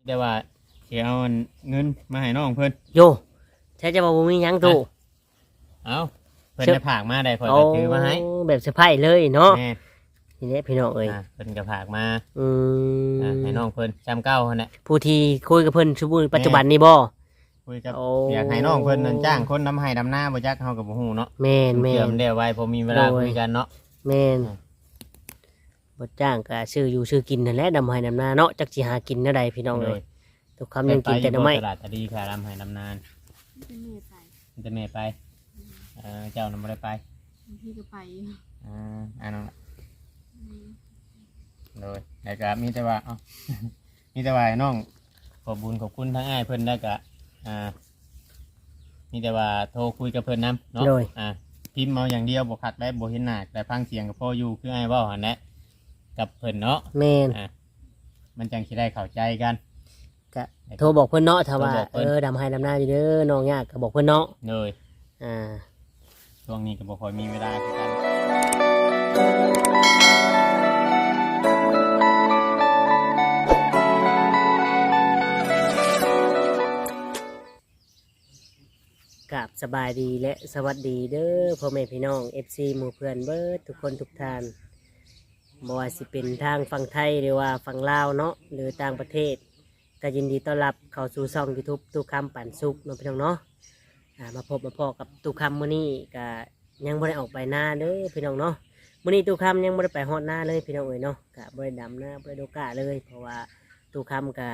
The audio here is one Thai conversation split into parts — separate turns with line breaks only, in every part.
แต่ว่าสิเอาเงินมาให้น้องเพิ่น
โยแท้จะบ่มีหยังตู่
เอาเพิ่นจะผากมาได้ข่อย
โอ้
ก็ถือมาให้
แบบเซอร์ไพรส์เลยเนาะ
แม่
ทีนี้พี่น้องเอ้ย
เพิ่นก็ผากมา
อืม
ให้น้องเพิ่นจำเก้าหั่นแหละ
ผู้ที่คุยกับเพิ่นชุบปัจจุบันนี้บ่
คุยกับ
โอ้
อยากให้น้องเพิ่นนั่นจ้างคนนำให้ดำหน้าบ่จักเฮาก็บ่ฮู้เนาะ
แม่นแม่
เตรียม
น
ได้ไว้พอมีเวลา
โดย
คุยกันเนาะ
แม่น
อ่า
บ่จ้างก็ซื้ออยู่ซื้อกินนั่นแหละดำให้ดำนาเนาะจักสิหากินแนวใดพี่น้องเอ้ยทุกคำยังกินแต่หน่อไม้
ตลาดตะดีค่ะดำให้ดำนาน
เป็นเมย์ไป
มันจะแม่ไปเจ้านำบ่ได้ไป
บางทีก็ไป
น้องโดยแล้วก็มีแต่ว่าเอ้า มีแต่ว่าให้น้องขอบบุญขอบคุณทั้งอ้ายเพิ่นแล้วก็มีแต่ว่าโทรคุยกับเพิ่นนำเนาะ
โดย
พิมพ์เอาอย่างเดียวบ่คักได้บ่เห็นหน้าแต่ฟังเสียงก็พออยู่คืออ้ายเว้าหั่นแหละกับเพิ่นเนาะ
แม่น
มันจังสิได้เข้าใจกัน
ก็โทรบอกเพิ่นเนาะถ้าว่า
โทรบอกเพิ่น
ดำให้ดำนาอยู่เด้อน้องยากก็บอกเพิ่นเนาะ
เลย
อ่า
ช่วงนี้ก็บ่ค่อยมีเวลาคือกัน
กับสบายดีและสวัสดีเด้อพ่อแม่พี่น้อง FC หมู่เพื่อนเบิดทุกคนทุกท่านบ่ว่าสิเป็นทางฝั่งไทยหรือว่าฝั่งลาวเนาะหรือต่างประเทศก็ยินดีต้อนรับเข้าสู่ช่อง YouTube ตู้คำปันสุขเนาะพี่น้องเนาะมาพบมาพอกับตู้คำมื้อนี้ก็ยังบ่ได้ออกไปหน้าเด้อพี่น้องเนาะมื้อนี้ตู้คำยังบ่ได้ไปฮอดหน้าเลยพี่น้องเอ้ยเนาะก็บ่ได้ดำหน้าบ่ได้โดกาเลยเพราะว่าตู้คำก็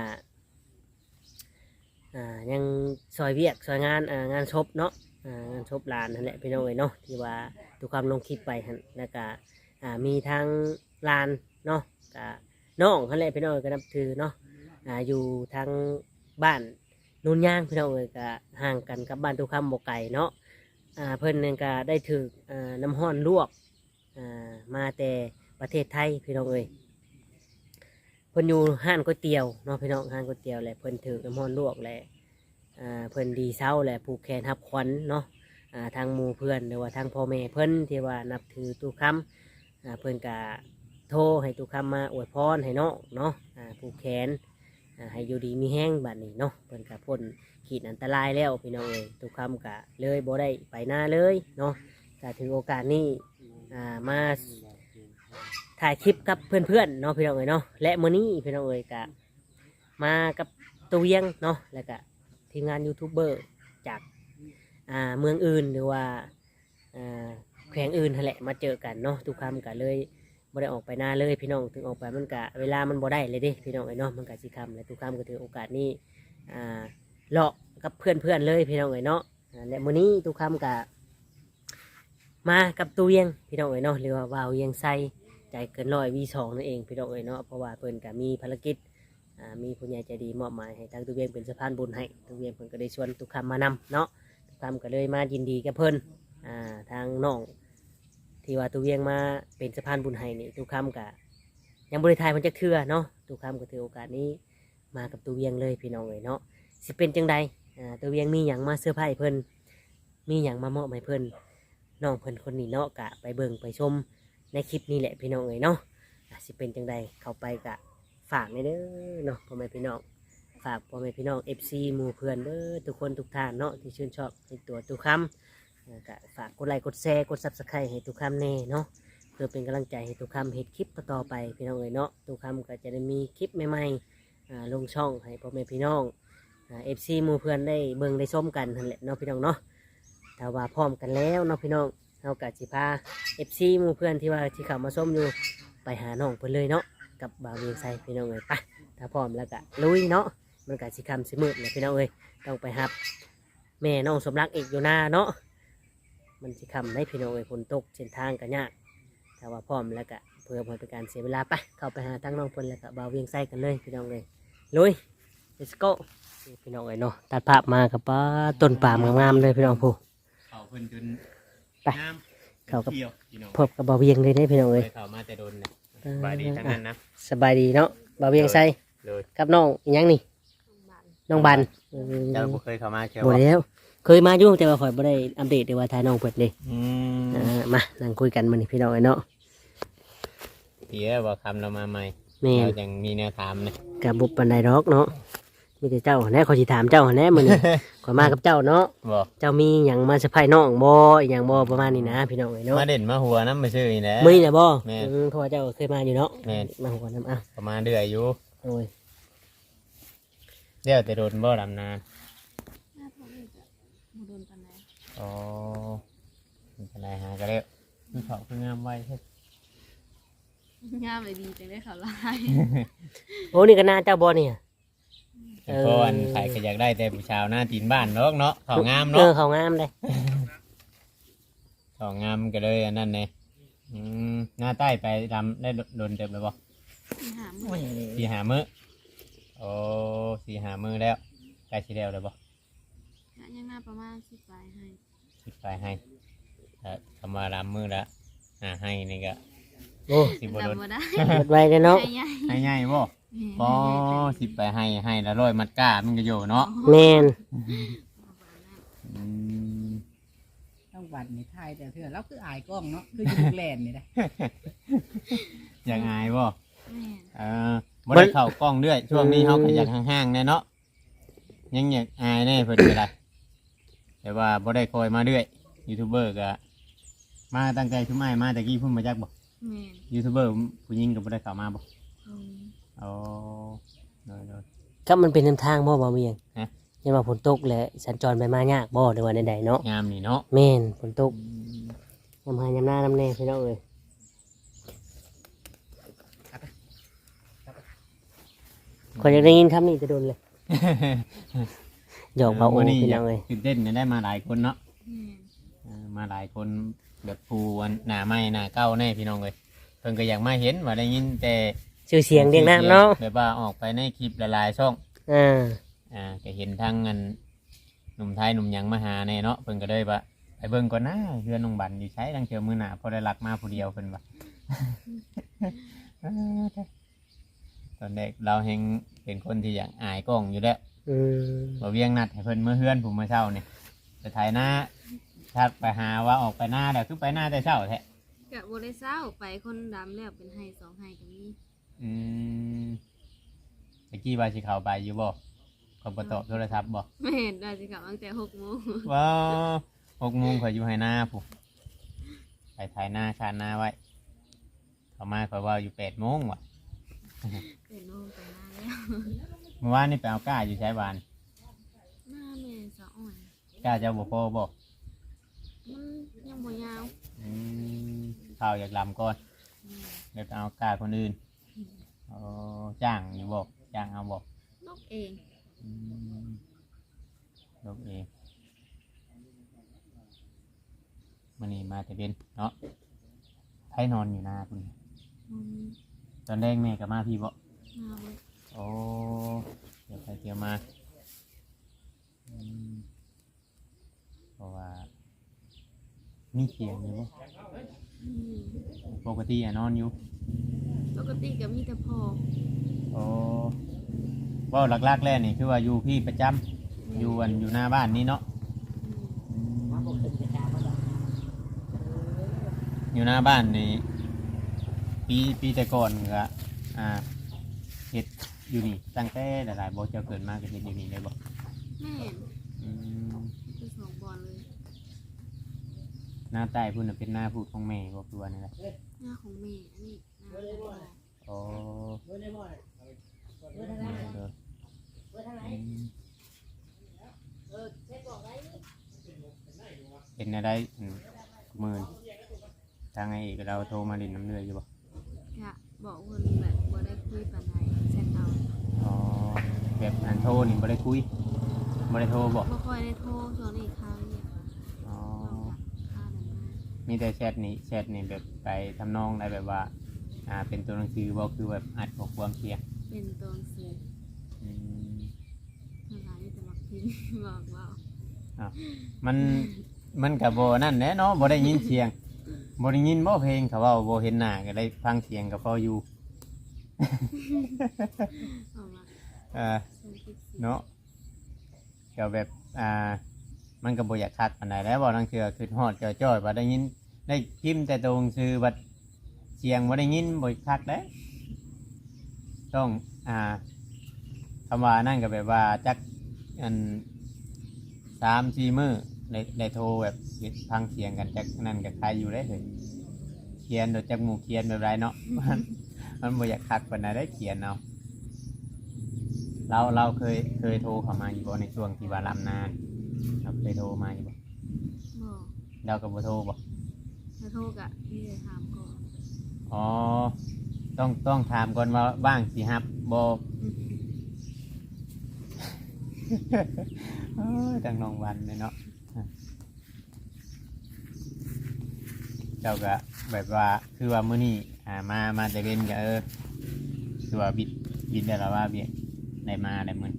ยังซอยเวียกซอยงานงานศพเนาะงานศพหลานนั่นแหละพี่น้องเอ้ยเนาะที่ว่าตู้คำลงคลิปไปหั่นแล้วก็มีทางลานเนาะก็น้องนั่นแหละพี่น้องเอ้ยก็นับถือเนาะอยู่ทางบ้านนุ่นย่างพี่น้องเอ้ยก็ห่างกันกับบ้านตู้คำบ่ไกลเนาะเพิ่นนั่นก็ได้ถือน้ำห้อนลวกมาแต่ประเทศไทยพี่น้องเอ้ยเพิ่นอยู่ห้านก๋วยเตี๋ยวเนาะพี่น้องห้านก๋วยเตี๋ยวแหละเพิ่นถือน้ำห้อนลวกแหละเพิ่นดีเศร้าแหละผูกแขนทับขวัญเนาะทางหมู่เพื่อนหรือว่าทางพ่อแม่เพิ่นที่ว่านับถือตู้คำเพิ่นก็โทรให้ตู้คำมาอวยพรให้น้องเนาะผูกแขนให้อยู่ดีมีแห้งบัดนี้เนาะเพิ่นก็พ้นขีดอันตรายแล้วพี่น้องเอ้ยตู้คำก็เลยบ่ได้ไปหน้าเลยเนาะก็ถือโอกาสนี้มาถ่ายคลิปกับเพื่อนๆเนาะพี่น้องเอ้ยเนาะและมื้อนี้พี่น้องเอ้ยก็มากับตัวเวียงเนาะแล้วก็ทีมงานยูทูบเบอร์จากเมืองอื่นหรือว่าแขวงอื่นนั่นแหละมาเจอกันเนาะทุกคำก็เลยบ่ได้ออกไปหน้าเลยพี่น้องถึงออกไปมันก็เวลามันบ่ได้เลยเด้พี่น้องเอ้ยเนาะมันก็สิคำและทุกคำก็ถือโอกาสนี้เลาะกับเพื่อนๆเลยพี่น้องเอ้ยเนาะและมื้อนี้ทุกคำก็มากับตัวเวียงพี่น้องเอ้ยเนาะหรือว่าว่าวเวียงไซใจเกินร้อยวีสองนั่นเองพี่น้องเอ้ยเนาะเพราะว่าเพิ่นก็มีภารกิจมีผู้ใหญ่ใจดีมอบหมายให้ทางตุเวียงเป็นสะพานบุญให้ตุเวียงเพิ่นก็ได้ชวนทุกคำมานำเนาะทุกคำก็เลยมายินดีกับเพิ่นทางน้องที่ว่าตุเวียงมาเป็นสะพานบุญให้นี่ทุกคำก็ยังบริทายมันจะเทื่อเนาะทุกคำก็ถือโอกาสนี้มากับตุเวียงเลยพี่น้องเลยเนาะสิเป็นจังใดตุเวียงมีอย่างมาเสื้อผ้าเพิ่นมีอย่างมามอบให้เพิ่นน้องเพิ่นคนนี้เนาะกะไปเบิ่งไปชมในคลิปนี้แหละพี่น้องเลยเนาะสิเป็นจังใดเข้าไปกะฝากในเด้อเนาะพ่อแม่พี่น้องฝากพ่อแม่พี่น้อง FC หมู่เพื่อนเด้อทุกคนทุกท่านเนาะที่ชื่นชอบในตัวตุกคำก็ฝากกดไลค์กดแชร์กด Subscribe ให้ตุกคำแน่เนาะเพื่อเป็นกำลังใจให้ตุกคำเฮ็ดคลิปต่อๆไปพี่น้องเอ๋ยเนาะตุกคำก็จะได้มีคลิปใหม่ๆลงช่องให้พ่อแม่พี่น้องFC หมู่เพื่อนได้เบิ่งได้ชมกันนั่นแหละเนาะพี่น้องเนาะถ้าว่าพร้อมกันแล้วเนาะพี่น้องเราก็สิพา FC หมู่เพื่อนที่ว่าที่เข้ามาชมอยู่ไปหาน้องเพิ่นเลยเนาะกับบ่าวเวียงไซพี่น้องเอ้ยไปถ้าพร้อมแล้วก็ลุยเนาะมันก็สิค่ำสิมืดเลยพี่น้องเอ้ยต้องไปรับแม่น้องสมรักอีกอยู่หน้าเนาะมันสิค่ำได้พี่น้องเอ้ยฝนตกเส้นทางก็ยากถ้าว่าพร้อมแล้วก็เพื่อบ่เป็นการเสียเวลาไปเข้าไปหาทั้งน้องเพิ่นแล้วก็บ่าวเวียงไซกันเลยพี่น้องเอ้ยลุย let's go พี่น้องเอ้ยเนาะตัดภาพมากับต้นปาล์มงามๆเลยพี่น้องผู้
เขาเพิ่นจน
ไป
งาม
เข้ากับ
ที่ยวพี่น้อง
พบกับบ่าวเวียงเลยได้พี่น้องเอ้ย
ไปเข้ามาแต่โดนเนี่ยสบายดีทั้งนั้นนะ
สบายดีเนาะบ่าวเวียงไซ
เลย
กับน้องอีหยังนี่น้องบัน
เจ้าบ่เคยเข้ามาเชียว
บ่แล้วเคยมาอยู่แต่ว่าข่อยบ่ได้อัปเดตเลยว่าทายน้องเพิ่นเด้ มานั่งคุยกันมื้อนี้พี่น้องเอ้ยเนาะ
เดี๋ยวว่าคำเรามาใหม่
แม่น
เรายังมีแนวถามนะ
ก็บ่ปานใดดอกเนาะมีแต่เจ้าแน่ขอสิถามเจ้าแน่มื้อ นี้ ขอยมากับเจ้าเนาะ
บ่
เจ้ามีหยังมาเซอร์ไพรส์น้องบ่อีหยังบ่ประมาณนี้นะพี่น้องเอ้ยเนาะ
มาเด่นมาหัวน้ำมาชื่อนี่แหละ
มื้อนี้น่ะบ่
แม่น
เพราะว่าเจ้าเคยมาอยู่เนาะ
แม่น
มาหัวน้ำอ่ะ
ประมาณเดือยอยู่
โอ้ย
เดี๋ยวแต่โดนบ่ดำนาน
หน้าท้องนี่จะบ่โดนปานใด
อ๋อมันเป็นไรหาก็แล้วมันเขาคืองามไว้เฮ็ด
งามเลยดีจังได้ข่าวร้าย
โอ้นี่ก็หน้าเจ้าบ่เนี่ย
แต่ก่อนใครก็อยากได้แต่ผู้ชาวหน้าตีนบ้านเนาะเนาะเขางาม
เอ
เนาะ
อเขางามเลย
เขางามก็เลยอันนั้นเนี่ยหน้าใต้ไปทำได้โดนเต็มเลยบ่
ที่หามื้อ
สี่หามือโอ้สี่หามือแล้วใกล้สิแล้วเลยบ่
กะยังหน้าประมาณ10ปลายให้
สิไปให้ทำมาลำมือละให้นี่ก็
โอ้
สิบ่โดน
จำบ่ได้
หมดไวเลยเนาะ
ให้ใหญ่
ให้ง่ายบ่บ่สิไปให้แล้วร้อยมัดก้ามันก็อยู่เนาะ
แมน
อืม
ต้องบัดในไทยแต่เถื่อเราคืออายกล้องเนาะคืออยู่ลูกแลนนี่นะ
อยากอายบ่
แม่น
บ่ได้เข้ากล้องเรื่อยช่วงนี้เฮาก็อยากห่างๆแน่เนาะยังอยากอายแน่เพิ่นก็ได้แต่ว่าบ่ได้คอยมาเรื่อยยูทูบเบอร์ก็มาตั้งใจชุมอ้ายมาแต่กี้เพิ่นมาจักบ่
แม่น
ยูทูบเบอร์ผู้หญิงก็บ่ได้เข้ามาบ่
อืม
อ๋อโดย
ก็มันเป็นทางบ่บ่มีหยัง
ฮะ
ยังว่าฝนตกแหละสัญจรไปมายากบ่ในวันใดๆเนาะ
งามนี่เนาะ
แม่นฝนตกยามหายามหน้าน้ำแน่พี่น้องเอ้ยขอยอยากได้ยินคำนี้จะโดนเลยหยอกเบาโอ้
มื้นี้
พี่น้องเอ้ย
ตื่นเต้นได้มาหลายคนเนาะ
แม่น
มาหลายคนแบบผู้หน้าใหม่หน้าเก่าแน่พี่น้องเอ้ยเพิ่นก็อยากมาเห็นว่าได้ยินแต่
ชื่อเสียงเรียงน้ำเนาะ
แบบว่าออกไปในคลิปหลายๆช่อง
อ่า
ก็เห็นทั้งอันหนุ่มไทยหนุ่มหยังมาหาแน่เนาะเพิ่นก็เลยว่าไปเบิ่งก่อนนะเฮือนน้องบันอยู่ใช้ดังเชียวมือหน้าพอได้ลักมาผู้เดียวเพิ่นว่า ตอนเด็กเราเฮงเป็นคนที่อยากอายกล้องอยู่แล้ว
อืม
บ่เวียงนัดให้เพิ่นมื้อเฮือนผมมื้อเช้านี่ไปถ่ายหน้าถ้าไปหาว่าออกไปหน้าเดี๋ยวคือไปหน้าแต่เช้าแท้
กะบ่ได้เศร้าไปคนดำแล้วเป็นให้2ให้ก็มี
อืมตะกี้ว่าสิเข้าไปอยู่บ่เขาบ่ตอบโทรศัพท์บ่
แม่นได้สิกลับตั้งแต่6 โมง
ว้าว6 โมงข่อยอยู่ให้หน้าผู้ไปถ่ายหน้าคานหน้าไว้ เขามาข่อยว่าอยู่8 โมงว่ะ
เป็นโมงไปหน้าแล้ว
เมื่อวานนี่ไปเอาก้าอยู่ใช้บาน
หน้าแม่สะอ่อน
ก้าเจ้าบ่พอบ่
มันยังบ่ยาว
อืมข้าวอยากลำก่อน
อืม
เดี๋ยวไปเอาก้าคนอื่นจ้างอยู่บ่จ้างเอาบ่
นกเอง
อืมลูกเองมื้อนี้มาแต่เบ็นเนาะไผนอนอยู่หน้าพุ่น
อืม
ตอนแรกแม่ก็มาพี่บ่
มาเว้ย
โอ้เดี๋ยวไปเที่ยวมาอืมเพราะว่ามีเสียงอยู่บ่
อืม
ปกตินอนอยู่
ปกติก็มีแต่พ่อ
โอ้เว่าหลักๆแล้วนี่คือว่าอยู่พี่ประจำอยู่อยู่หน้าบ้านนี่เนาะ
อืม
อยู่หน้าบ้านนี่ปีแต่ก่อนก็เฮ็ดอยู่นี่ตั้งแต่หลายๆบ่เจ้าเกิดมาก็เฮ็ดอยู่นี่เลยบ่
แม่น
อืม
คือ2 บอลเลย
หน้าใต้พุ่นน่ะเป็นหน้าพูดของแม่บ่คือว่านั่นแหละ
หน้าของแม่อันนี้หน้าของพ่อ
โอ้เป็นอะไรมื่นทางไอ้เราโทรมาดินน้ำเลืออยู่บ่
กะบอกเพิ่นแบบบ่ได้คุยปานใดเซตเอา
อ๋อแบบอันโทรนี่บ่ได้คุยบ่ได้โทรบ่
บ่ค่อยได้โทรช่วงนี้ค้างเนี่ย
อ๋อ
ค้างนั้นมา
มีแต่แชทนี่แบบไปทำนองได้แบบว่าเป็นตัวหนังสือบ่คือแบบอัดข้อความเสียง
เป็นตัวหนังสือ
อืม
ทางร้านนี่จะมักพิมพ์ บอกว่า
มันก็บ่นั่นแหละเนาะบ่ได้ยินเสียงบ่ได้ยินบ่เพลงเขาเว้าบ่เห็นหน้าก็ได้ฟังเสียงก็พออยู่
เอามา ส่งคลิปสิ
เนาะก็แบบมันก็บ่อยากคัดปานใดแล้วบ่ลังเทื่อขึ้นฮอดจ้อยๆว่าได้ยินได้พิมพ์แต่ตรงชื่อบัดเสียงบ่ได้ยินบ่คักเด้ต้องโทคำว่านั่นก็แบบว่าจักอัน3-4 มื้อได้โทรแบบฟังเสียงกันจักนั่นก็ใครอยู่ได้เลยเขียนโดยจักหมู่เขียนแบบไรเนาะ มันบ่อยากคักปานใดได้เขียนเอาเราเคยโทรเข้ามาอยู่บ่ในช่วงที่ว่าลำนานเราเคยโทรมาอยู่บ่
บอก
เราก็บ่โทรบ่
ถ้าโทรกะนี่เลยถามก่อน
อ๋อต้องถามก่อนว่าว่างสิรับบ่ โอ้ยจังน้องวันเลยเนาะเจ้าก็แบบว่าคือว่ามื้อนี้มาแต่เว้นก็คือว่าบิดได้แล้วว่าเบี้ยได้มาได้มื้อก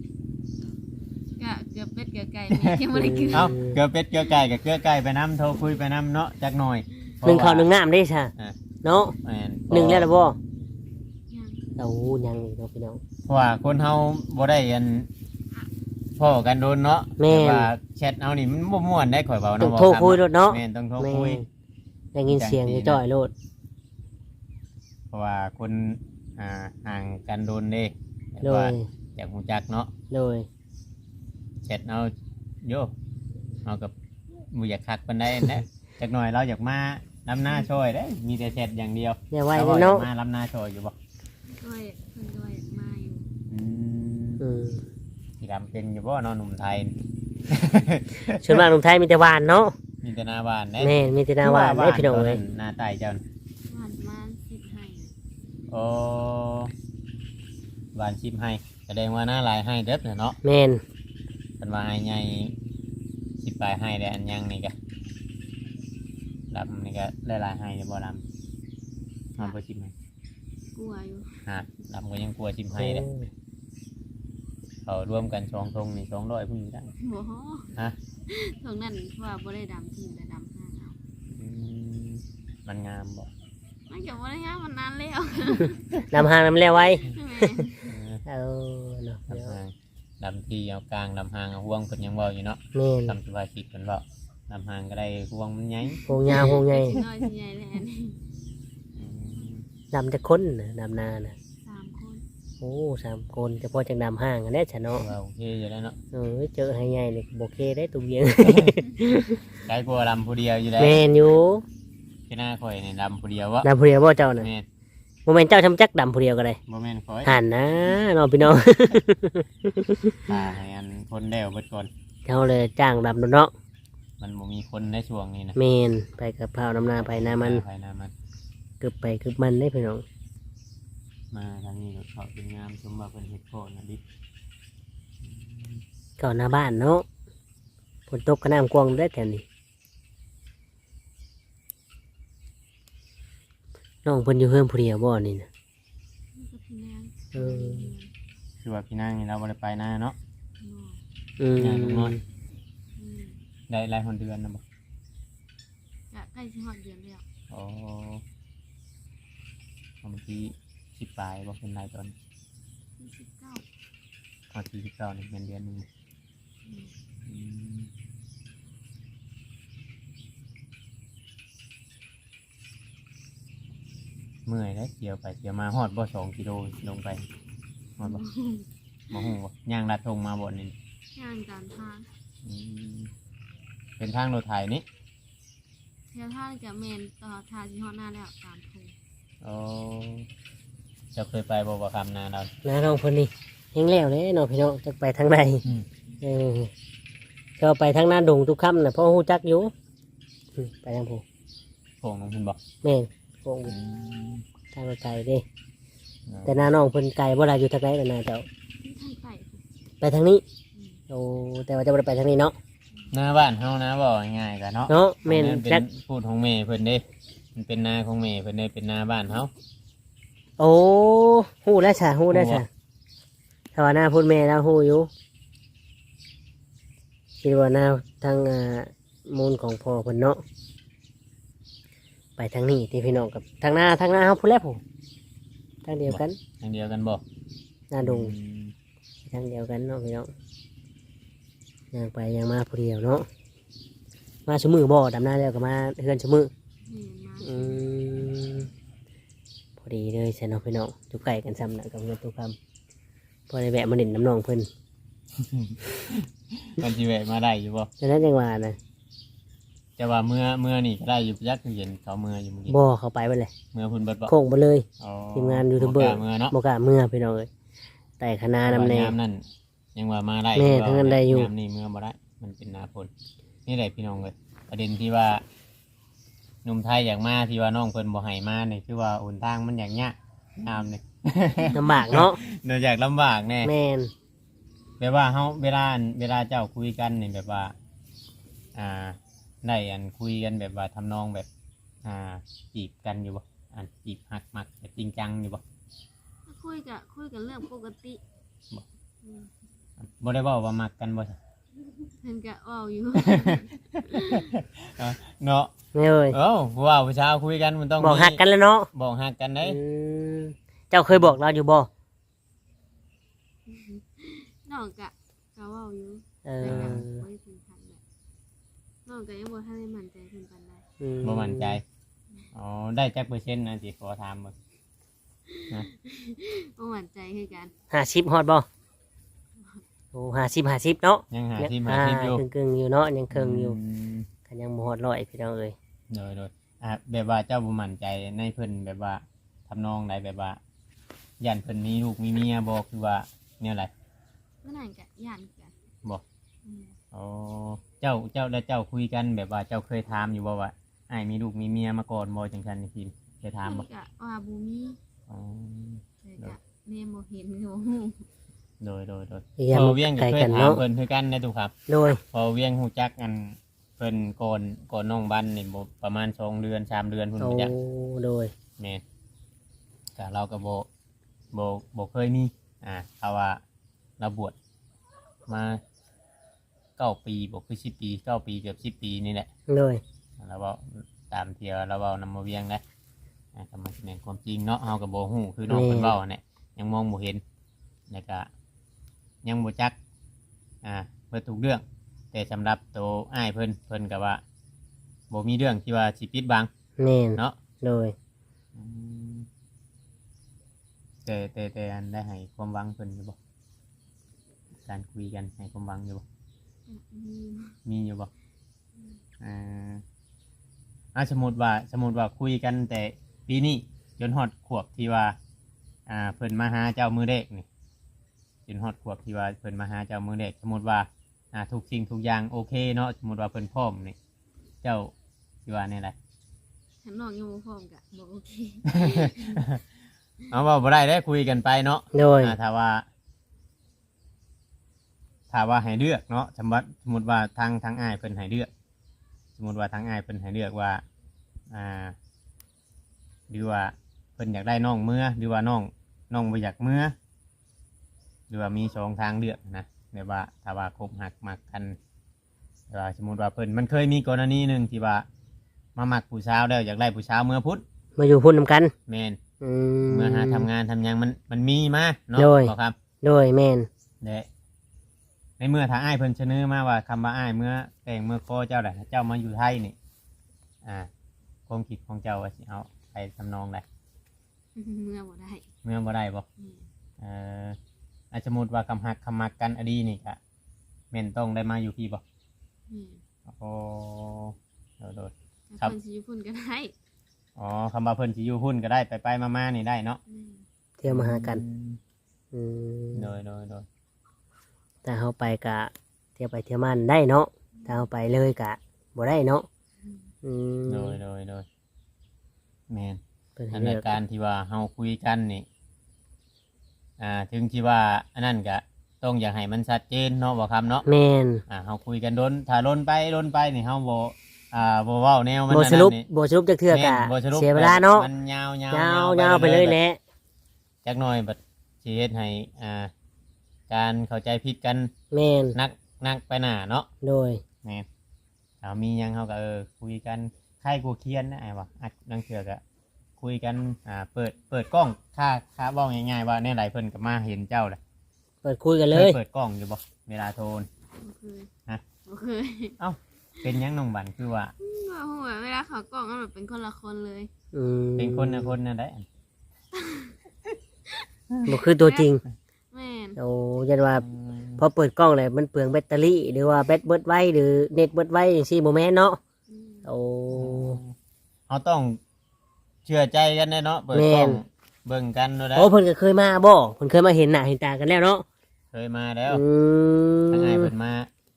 ะเกือบเป็ดเกือบไก่แม่ยังไม่ได้กิน
เอ้าเกลือเป็ดเกลือไก่กับเกลือไก่ไปน้ำโทรคุยไปน้ำเนาะจักหน่อย
หนึ่งข้าวหนึ่งน้ำได้ใช่
อ่า
เนาะ
แม่น
หนึ่งแล้วล่ะบ่
ยัง
โอ้ยังอีกเนาะพี่น้อง
เพราะว่าคนเฮาบ่ได้อันพ่อกันโดนเนาะ
แม่น
แต่ว่าแชทเอานี่มันบ่ม่วนได้ข่อยเว้า
ต้อ
เนาะ
งโทรคุยรถเนาะ
แม่นต้องโทร
แม่
คุย
ได้ยินเสียงจ่อยๆโลด
เพราะว่าคนห่างกันโดนเด้แต่
โด
ว่าย อยากรู้จักเนาะ
โดย
แชทเอาโยเอากับบ่อยากคักปานใดนะจักหน่อยเราอยากมาลำหน้าช่วยได้มีแต่แชทอย่างเดียว
เดี๋ยวไว้
เราอยา
เนาะ
กมาลำหน้าช่วยอยู่บ่
ด้วยเพิ่นด้วยมาอยู่
อืม
อืม
พี่ดำเป็นอยู่บ่เนอนหนุ่มไทย
ส่วนมากหนุ่มไทยมีแต่หวานเนาะ
มีแต่หนาบ้านได้
แม่นมีแต่หน้าหวานได้พี่น้อง
ตัว
เลย
หน้าใต้เจ้าน่ะ
หวานประมาณ10ให้
โอ้บ้านชิมให้แสดงว่าหน้าหลายให้เด็ดเนาะ
แม่น
เป็นว่าให้ใหญ่สิบปลายให้ได้อันยังนี่ก็ลำนี่ก็ได้หลายให้เลยบ่ลำมันบ่ชิมให้
กลัวอยู่
ฮะลำก็ยังกลัวชิมให้เลยเขาร่วมกัน2 ธงนี่200พุ่นได้
บ่
ฮะ
ตรงนั้นว่าบ่ได้ดำทีมแต่ดำห้าเอา
อืมมันงามบ่
มันก็บ่ได้งามมันนานแล้ว
นำหางนำแล้วไว้
แม่
เออ
เอาเนาะ
ลำหางลำที่เอากลางลำหางเอาห่วงเพิ่นยังเว้าอยู่เนาะ
แม่น
ทำสบายคิดเพิ่นเว้าลำหางก็ได้ห่วงมันใหญ่
โหงยาวโหงใหญ่
สิน้อยสิใหญ่แล้วอันนี้
อืม
ดำจะค้นน่ะดำนาน่ะ
3คน
โอ้3 คนจะพอจังดำห้างกันได้ชะเนาะ
ว่าโอเคอยู่แล้วเนาะ
เจอให้ใหญ่นี่บ่เคได้ตุเบียง
ได้กลัวลำผู้เดียวอยู่แล้ว
แม่นอยู่
ที่หน้าข่อยในลำผู้เดียววะ
ดำผู้เดียวบ่เจ้าน่ะ
แม่น
บ่แม่นเจ้าทำจักดำผู้เดียวก็ได้
บ่แม่นข่อย
หันนะเนาะพี่น้อง
ตาให้อันคนเดียวเบิดก่อน
เขาเลยจ้างดำเนาะ
มันบ่มีคนในช่วงนี้นะ
แมนไปกับพร้าวน้ำนาไปนามัน
ภายหน้ามัน
กึบไปกึบมันได้พี่น้อง
มาทางนี้ก็เขาเป็นงามสมบัติเป็นเฮ็ดโคนะดิ
ก่อนหน้าบ้านเนาะฝนตกก็น้ำกวางได้แถวนี้น้องเพิ่นอยู่เพิ่มผู้เดียวบ่นี่นะ
นี่ก็พี่นาง
เออ
คือว่าพี่นางนี่เราบ่ได้ไปหน้าเนาะ
บ่
อืม
งานลูกน้อย
อืม
ได้รายคนเดือนนะบ่
กะใกล้สิฮอดเดือนแล้ว
อ๋อบางที10 ปลายบ่เป็นรายตอน
29
พอที่19นี่เป็นเดือนหนึง
อืม
อืมเมื่อยได้เกี่ยวไปเกี่ยวมาฮอดบ่2 กิโลลงไปฮอดบ่บ่ฮู้บ่ย่างลัดทงมาบ่นี่
ย่างตามทาง
อืมเป็นทางรถไถนี่
แถวทางจะแม่นต่อทางสิฮอดหน้าแล้วตามโพ
โอ้เจะเคยไปบ่บ่คำนาเรา
น้าน้องเพิ่นนี่ยังแล้วเลยเนาะพี่น้องจะไปทางใด
อืม
เออก็ไปทางหน้าดงทุกค่ำน่ะเพราะฮู้จักอยู่ไปทางผู้
โป่งลงเพิ่นบอก
แม่นโป่งทางรถไฟเด้ แต่หน้าน้องเพิ่นไกลบ่ล่ะอยู่ทางไหนล่ะนาเจ้า
ที่ทางใต้
ไปทางนี้
อืม
โอ้แต่ว่าจะบ่ได้ไปทางนี้เนาะ
หน้าบ้านเฮานะบอกง่ายๆกันเนาะ
เนาะแม่น
เป็
จัก
นพูดของแม่เพิ่นเด้มันเป็นนาของแม่เพิ่นเด้เป็นนาบ้านเฮา
โอ้ฮู้แล้วจ้ะฮู้แล้ว
ฮู้
จ้ะถ้าว่าหน้าพูดแม่แล้วฮู้อยู่คิดว่าหน้าทางมูลของพ่อเพิ่นเนาะไปทางนี้ที่พี่น้องกับทางหน้าเฮาพูดแล้วผู้ทางเดียวกัน
ทางเดียวกันบ่
หน้าดง
อืม
ทางเดียวกันเนาะพี่น้องย่างไปย่างมาผู้เดียวเนาะมาชั่วมือบ่ดำหน้าแล้วก็มาเฮือนชั่วมือ
แม่นมา
อืมพอดีเลยใช่เนาะพี่น้องจุกไก่กันซ้ำนะกับเงินตุกคำพอได้แวะมาเล่นน้ำน้องเพิ่น
มันสิแวะมาได้อยู่บ่
ฉะนั้นจังว่านะ
แต่ว่าเมื่อนี่ก็ได้อยู่ยักษ์เห็นเขาเมื่ออยู่เมื่อกี้
บ่เข้าไปเบิดเลย
เมื่อเพิ่นเบิดบ่
โค้งไปเลย
อ๋อ
ทีมงานยูทูบเบอร์
บ่กล้าเมื่อเนาะ
บ่กล้าเมื่อพี่น้องเอ้ยแต่คณะนำแน
ยามนั่นยังว่ามาได้
แม่ทั้งนั้นได้อยู่
ยามนี้เมื่อบ่ได้มันเป็นหน้าฝนนี่แหละพี่น้องเอ้ยประเด็นที่ว่าหนุ่มไทยอยากมาที่ว่าน้องเพิ่นบ่ให้มานี่คือว่าหนทางมันอย่างยากยามนี่
ลำบากเนาะ
เนื่องจากลำบากแน่
แม่น
แบบว่าเฮาเวลาเจ้าคุยกันนี่แบบว่า ได้คุยกันแบบว่าทำนองแบบ จีบกันอยู่บ่จีบหักมักแบบจริงจังอยู่บ่
คุยกันเรื่องปกติ
บ่ได้เว้าว่ามักกันบ่ใช่
เพิ่นก็เว้าอยู่
เนาะ
แม่เอ้ย
เอ้าผู้ว่าผู้ชายคุยกันมันต้อง
บอกหักกันแล้วเนาะ
บอกหักกันได้
อืมเจ้าเคยบอกเราอยู่บ่
น้องก็เว้าอยู่
เอ
แต่
อ
ก็บ่ได้ถึงขั้นแบบน้องก็ยังบ่ทันได้มั่นใจเพิ่นปานใด
บ่มั่นใจอ๋อได้จักเปอร์เซ็นต์นะสิขอถามบ่
บ่มั่นใจคือกัน
50ฮอดบ่โอ้50เนาะ
ยังหาที่มาที่อยู่
กึ่งๆอยู่เนาะยังครึ่งอยู่
ม
ก็ยังบ่ฮอดร้อยพี่น้องเอ้ย
โดยแบบว่าเจ้าบ่มั่นใจในเพิ่นแบบว่าทำนองใดแบบว่าย่านเพิ่นมีลูกมีเมียบ่คือว่าแนวใด
เมื่อนั้นก็ย่านกัน
บ่
อืม
อ๋อเจ้าแล้วเจ้าคุยกันแบบว่าเจ้าเคยถามอยู่บ่ว่าอ้ายมีลูกมีเมียมาก่อนบ่จังซั่นนี่คิมเคยถามบ่
เพิ่นก็ว่าบ่มี
อ๋อ
แต่ก็แม่บ่เห็นก็บ่ฮู้
โดย
พยายาม
พอเวียงก็
ไกล
เคย
กัน
ถาม
เนาะ
เพิ่นคือกันนะทุกครับ
โดย
พอเวียงฮู้จักเพิ่นก่อนน้องบันนี่บ่ประมาณ2 เดือน 3 เดือนพุ่น
โอ้
บ่จัก
โดย
แม่นก็เราก็บ่เคยมีเพราะว่าเราบวชมา9 ปีบ่คือ10 ปี9 ปีเกือบ10 ปีนี่แหละ
โดย
เราเว้าตามเที่ยวเราเว้านำมาเวียงได้ก็มันสิแม่นความจริงเนาะเฮาก็บ่ฮู้คือน้องเพิ่นเว้าเนี่ยยังมองบ่เห็นแล้วก็ยังบ่จักเบิดทุกเรื่อง แต่สำหรับตัวอ้ายเพิ่นก็ว่าบ่มีเรื่องที่ว่าสิปิดบัง
แม่น
เนาะ
โดย
อืมแต่อันได้ให้ความหวังเพิ่นอยู่บ่การคุยกันให้ความหวังอยู่บ่ มีอยู่บ่สมมติว่าคุยกันแต่ปีนี้จนฮอดขวบที่ว่าเพิ่นมาหาเจ้ามือเด็กนี่จนฮอดขวบที่ว่าเพิ่นมาหาเจ้ามือเด็กสมมติว่าทุกสิ่งทุกอย่างโอเคเนาะสมมติว่าเพิ่นพร้อมนี่เจ้าสิว่าแนี่แหละ
ถ้าน้องยังบ่พร้อมก็บ่โอเค
เอาว่าบ่ได้ได้คุยกันไปเนาะ
โดย
ถ้าว่าให้เลือกเนาะสมมติว่าทางอ้ายเพิ่นให้เลือก สมมติว่าทางอ้ายเพิ่นให้เลือกว่าหรือว่าเพิ่นอยากได้น้องเมื่อหรือว่าน้องบ่อยากเมื่อหรือว่ามี2 ทางเลือกนะแบบว่าถ้าว่าคบหักมักกันแต่ว่าสมมติว่าเพิ่นมันเคยมีกรณีหนึ่งที่ว่ามามักผู้สาวแล้วอยากได้ผู้สาวเมื่อพุธ
มาอยู่พุ่นนำกัน
แม่น
อื
เมื่อหาทำงานทำหยังมันมีมาเนาะ
โดย
บอกครับ
โดยแม่น
ในเมื่อทางอ้ายเพิ่นเสนอมาว่าคำว่าอ้ายเมื่อแต่งเมื่อโคเจ้าแหละเจ้ามาอยู่ไทยนี่ความคิดของเจ้าว่าสิเอาไปทำนองใด
เมื่อบ่ได้
เมื่อบ่ได้บ่ สมมุติว่าคำหักคำมักกันอดีนี่ก็แม่นต้องได้มาอยู่พี่บ่ โอ้โดด ครั
ครับ บคนสิอยู่พุ่นก็ได้
อ๋อคำว่าเพิ่นสิอยู่หุ้นก็ได้ไปมาๆนี่ได้เนาะ
เที่ยวมาหากัน อืม
โดย
ถ้าเฮาไปกะเที่ยวไปเที่ยวมันได้เนาะถ้าเฮาไปเลยกะบ่ได้เนาะอืม
โดยแม่น
เพิ่นให้
อัน
เลื
ใน
อก
การที่ว่าเฮาคุยกันนี่ถึงที่ว่าอันนั้นก็ต้องอยากให้มันชัดเจนเนาะบ่ครับเนาะ
แม่น
เฮาคุยกันถ้าล้นไปนี่เฮาบ่เว้าแนวมัน
บ่
อัน
ส
นั้น
รุป
นี่
บ่สรุปจักเทื่อกะ
แม่นบ่สรุป
เสียเวลาเนาะ
มันยาว
ยาวไปเลยแหละ
จักหน่อยบัดสิเฮ็ดให้การเข้าใจผิดกัน
แม่น
นักไปหน้าเนาะ
โดย
แม่นมีหยังเฮาก็คุยกันใครกูเคียนนะไอ้วะนังเถือกอะคุยกันเปิดกล้องค่าเว้าง่ายๆว่าแน่ไหลเพิ่นก็มาเห็นเจ้าแหละ
เปิดคุยกันเลย
เปิดกล้องอยู่บ่เวลาโทร
บ่เคย
ฮะ
บ่เคย
เป็นหยังน้องบันคือว่า
ว่าหัวเวลาเขากล้องมันแบบเป็นคนละคนเลย
อืม
เป็นคนนะได้
บ่คือตัวจริง
เวม่น
โอ้ยันว่าพอเปิดกล้องเลยมันเปลืองแบตเตอรี่หรือว่าแบตเบิดไว้หรือเน็ตเบิดไว้จังซี่บ่แม่นเนาะ
อืม
โอ้
เขาต้องเชื่อใจกันแน่เนาะเปิด
แม่
กล้อง
น
เบิ่งกันเนาะได้
โอ้เพิ่นก็เคยมาบ่เพิ่นเคยมาเห็นหน้าเห็นตากันแล้วเนาะ
เคยมาแล้ว
อืม
ทั้งไงเพิ่นมา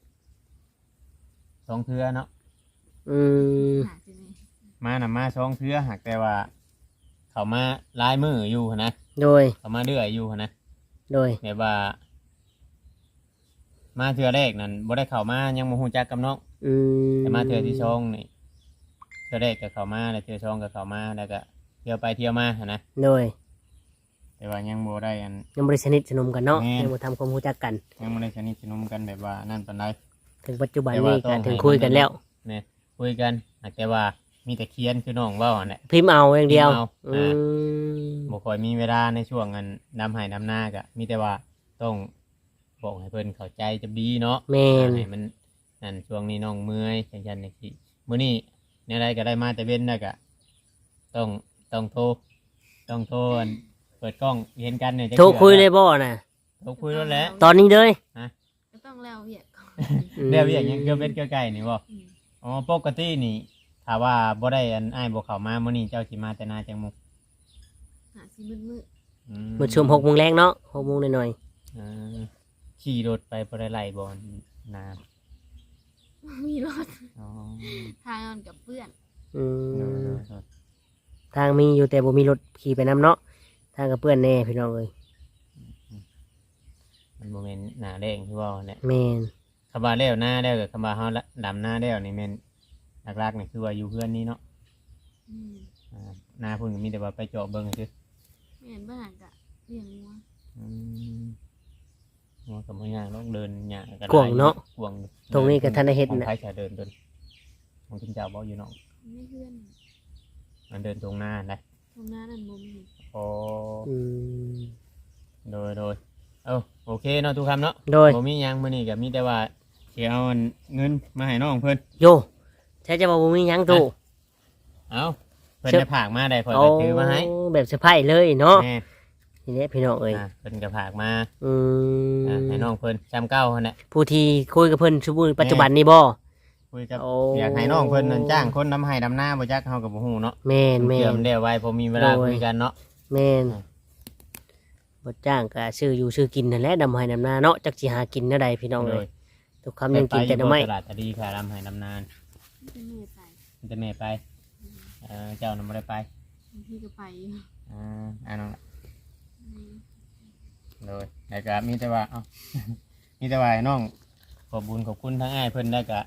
สองเทื่อเนาะ
อืม
หาจังได๋
มาน่ะมาสองเทื่อหากแต่ว่า เขามาลายมืออยู่หั้นนะ
โดย
เขามาเรื่อยอยู่หั้นนะ
โดย
แบบว่า มาเทื่อแรกนั่นบ่ได้เข้ามายังบ่ฮู้จักกับน้อง
อืม
แต่มาเทื่อที่สองนี่เทื่อแรกก็เข้ามาแล้วเทื่อสองก็เข้ามาแล้วก็เที่ยวไปเที่ยวมาหั้นนะ
โดย
แต่ว่ายังบ่ได้อัน
ยังบ่ได้สนิทสนมกันเนาะ
แม่น
ยังบ่ทำความรู้จักกัน
ยังบ่ได้สนิทสนมกันแบบว่านั่นปานใด
ถึงปัจจุบัน
แต่ว่า
นี้
ต้
ก็
อง
ถึง
ให้
คุยกันแล้ว
เนี่ยคุยกันหากแต่ว่ามีแต่เขียนคือน้องเว้าหั่นแหละ
พิมพ์เอาอย่างเดียว
พิมพ์เอา
อืม
บ่ค่อยมีเวลาในช่วงอันดำไห้ดำหน้าก็มีแต่ว่าต้องบอกให้เพิ่นเข้าใจจะดีเนาะ
แม่น
ให้มันนั่นช่วงนี้น้องเมื่อยจังซั่นจังซี่มื้อนี้แนวใดก็ได้มาแต่เว้นแล้วก็ต้องโทรอันเปิดกล้องเห็นกันเนี่ยจะ
โทรคุยเลยบ่น่ะ
โทรคุยแล้วแหละ
ตอนนี้เลย
ก็ต้องแล้วเวียกก่อน
เดี๋ยวอย่างยังเกือบเป็นเกือบไก่นี่บ่
อืม
อ๋อปกตินี่ถ้าว่าบ่ได้อันอ้ายบ่เข้ามามื้อนี้เจ้าสิมาแต่นาจังมุก
หาสิมืด
มื้อช่วง6 โมงแรงเนาะ6 โมงหน่อย
อ่าขี่รถไปบ่ได้ไล่บ่นา
ๆมีรถ
อ๋อ
ทางมันกับเพื่อน
ๆอื
โด
ม
ย
ทางมีอยู่แต่บ่มีรถขี่ไปนํเนาะทางกับเพื่อนแน่พี่น้องเอ้ย
มันบ่แม่นหน้าแรงคือว่าเนี่ย
แม่น
คำว่าแล้วหน้าแล้วก็คำว่าเฮาละดำหน้าแล้วนี่แม่นหลักๆนี่คือว่าอยู่เพื่อนนี่เนาะ
อืม
หน้าพุ่นก็มีแต่ว่าไปเจาะเบิ่งซื่อ
แม่นบ้านกะเลี้ยงงัว
อืมว่าก็บ่ยากลองเดินยากก็
กวางเนาะ
กวาง
ตรงนี้ก็ทันได้เฮ็ด
ของ
น่ะ
ใครจะเดินต้นของคุณเจ้าบ่อยู่เนาะ
ไม่เพื่อน
มันเดินตรงหน้าได้
ตรงหน้านั่นบ่มี
โอ้
อืม
โดยโอเคเนาะทุกคำเนาะ
โดย
บ่มีหยังมื้อนี้ก็มีแต่ว่าสิเอาอันเงินมาให้น้องเพิ่น
โยใช่จะบอกบ่มีหยังตู่
เอาเพิ่น
เชิญ
ได้ผากมาได้ข่อย
โอ้
ก็ถือมาให้
แบบเซอร์ไพรส์เลยเนาะ
แม่
ทีนี้พี่น้องเอ้ย
เพิ่นก็ผากมา
อืม
ให้น้องเพิ่นจำเก้าหั่นแหละ
ผู้ที่คุยกับเพิ่นชุบุปัจจุบันนี้บ่
คุยกับ
โอ้
อยากให้น้องเพิ่นนั่นจ้างคนนำให้ดำหน้าบ่จักเฮาก็บ่ฮู้เนาะ
แม่นแม่
เชื่อน มได้ไว้พอมีเวลา
โดย
คุยกันเนาะ
แม่น
อ่า
บ่จ้างก็ซื้ออยู่ซื้อกินนั่นแหละดำให้ดำนาเนาะจักสิหากินแนวใดพี่น้อง
โด
เอ้
ย
ยทุกคำยังกินแต่หน่อไม้
ตลาดตะดีค่ะดำให้ดำนาน
เป็นแม่ไป
มันจะแม่ไปเจ้านำบ่ได้ไป
บางทีก็ไปอยู่
น้อง
อืม
โดยแล้วก็มีแต่ว่า มีแต่ว่าให้น้องขอบบุญขอบคุณทั้งอ้ายเพิ่นแล้วก็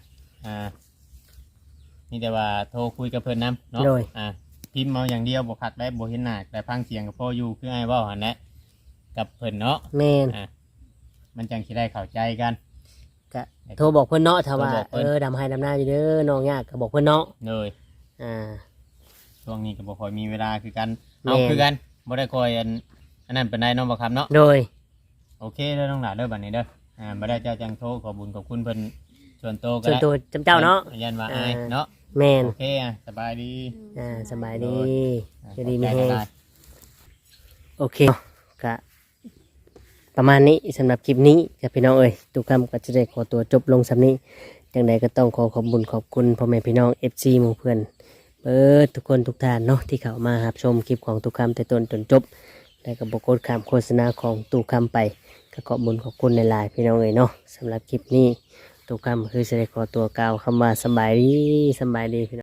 มีแต่ว่าโทรคุยกับเพิ่นนํเนาะ
โดย
พิมพ์เอาอย่างเดียวบ่คักได้บ่เห็นหน้าแต่ฟังเสียงกับพ่ออยู่คืออ้ายเว้าหั่นแหละกับเพิ่นเนาะ
แม่น
มันจังสิได้เข้าใจกัน
ก็โทรบอกเพิ่นเนาะถ้าว่า
โทรบอกเพิ่น
ดำให้ดำนาอยู่เด้อน้องยากก็บอกเพิ่นเนาะ
เลย
อ่า
ช่วงนี้ก็บ่ค่อยมีเวลาคือกัน
แม่น
เอาคือกันบ่ได้คอยอันนั้นเป็นได้เนาะบ่ครับเนาะ
โดย
โอเคเด้อน้องหลานเด้อบัดนี้เด้อบ่ได้เจ้าจังโทรขอบุญขอบคุณเพิ่นส่วนโตวก็
ส่วน
ได้
ตัวจำเจ้าเนาะ
ยันว่าอายเนาะ
แม่น
โอเคสบายดี
สบายดี
อ่า
จะดีมี
ขอบ
แฮ
ใจ
ง
หลาย
โอเคก็ประมาณนี้สำหรับคลิปนี้กับพี่น้องเอ้ยทุกคำก็จะได้ขอตัวจบลงสำนี้จังใดก็ต้องขอขอบคุญขอบคุณพ่อแม่พี่น้อง FC หมู่เพื่อนเบิดทุกคนทุกท่านเนาะที่เข้ามารับชมคลิปของทุกคำแต่ต้นจนจบและก็บอกดคำโฆษณาของตุกคำไปก็ขอบคุญขอบคุณในหลายๆพี่น้องเอ้ยเนาะสำหรับคลิปนี้ตุกคำคือจะได้ขอตัวกล่าวคำว่าสำบายดีพี่น้อง